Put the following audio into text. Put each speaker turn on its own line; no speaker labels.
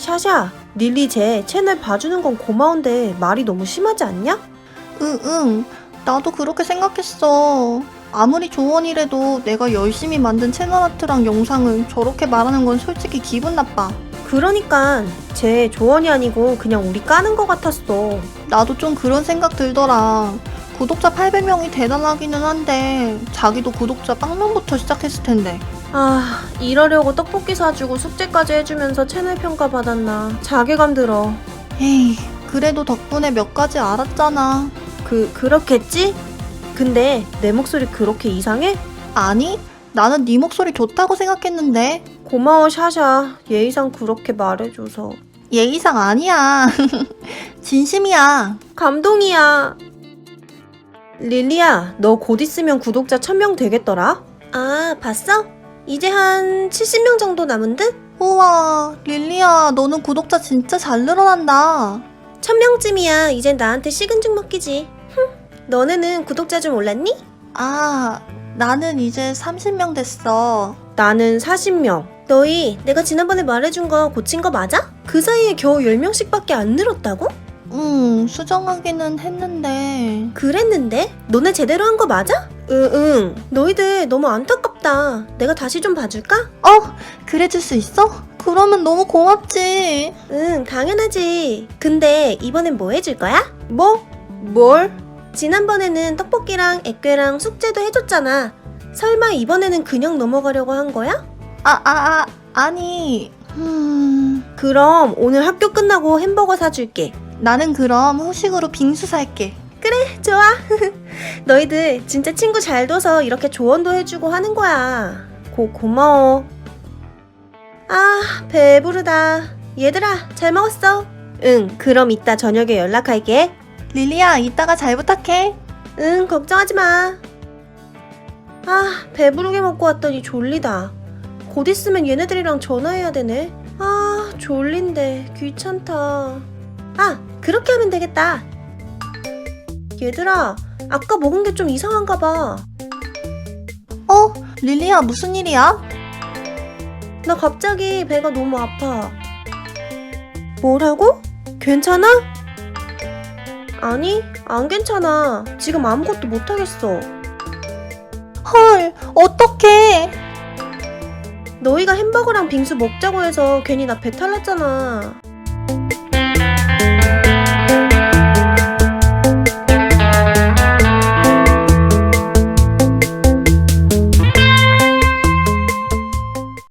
샤샤, 릴리 쟤 채널 봐주는 건 고마운데 말이 너무 심하지 않냐?
응. 나도 그렇게 생각했어. 아무리 조언이라도 내가 열심히 만든 채널 아트랑 영상을 저렇게 말하는 건 솔직히 기분 나빠.
그러니까 쟤 조언이 아니고 그냥 우리 까는 거 같았어.
나도 좀 그런 생각 들더라. 구독자 800명이 대단하기는 한데 자기도 구독자 빵명부터 시작했을 텐데.
아, 이러려고 떡볶이 사주고 숙제까지 해주면서 채널 평가 받았나. 자괴감 들어.
에이, 그래도 덕분에 몇 가지 알았잖아.
그렇겠지? 근데 내 목소리 그렇게 이상해?
아니, 나는 네 목소리 좋다고 생각했는데.
고마워 샤샤. 예의상 그렇게 말해줘서.
예의상 아니야. 진심이야.
감동이야. 릴리야, 너 곧 있으면 구독자 1000명 되겠더라? 아, 봤어? 이제 한 70명 정도 남은 듯?
우와, 릴리야, 너는 구독자 진짜 잘 늘어난다.
1000명쯤이야. 이젠 나한테 식은 죽 먹기지. 너네는 구독자 좀 올랐니?
아, 나는 이제 30명 됐어.
나는 40명. 너희 내가 지난번에 말해준 거 고친 거 맞아? 그 사이에 겨우 10명씩밖에 안 늘었다고?
수정하기는 했는데.
그랬는데? 너네 제대로 한 거 맞아? 응. 너희들 너무 안타깝다. 내가 다시 좀 봐줄까?
그래줄 수 있어? 그러면 너무 고맙지.
응, 당연하지. 근데 이번엔 뭐 해줄 거야? 뭘? 지난번에는 떡볶이랑 액괴랑 숙제도 해줬잖아. 설마 이번에는 그냥 넘어가려고 한 거야?
아니.
그럼 오늘 학교 끝나고 햄버거 사줄게.
나는 그럼 후식으로 빙수 살게.
좋아. 너희들 진짜 친구 잘 둬서 이렇게 조언도 해주고 하는 거야. 고마워. 아, 배부르다. 얘들아, 잘 먹었어? 응, 그럼 이따 저녁에 연락할게.
릴리야, 이따가 잘 부탁해.
응, 걱정하지 마. 아, 배부르게 먹고 왔더니 졸리다. 곧 있으면 얘네들이랑 전화해야 되네. 아, 졸린데 귀찮다. 아, 그렇게 하면 되겠다. 얘들아, 아까 먹은 게 좀 이상한가 봐.
릴리야, 무슨 일이야?
나 갑자기 배가 너무 아파. 뭐라고? 괜찮아? 아니, 안 괜찮아. 지금 아무것도 못하겠어.
헐, 어떡해.
너희가 햄버거랑 빙수 먹자고 해서 괜히 나 배탈 났잖아.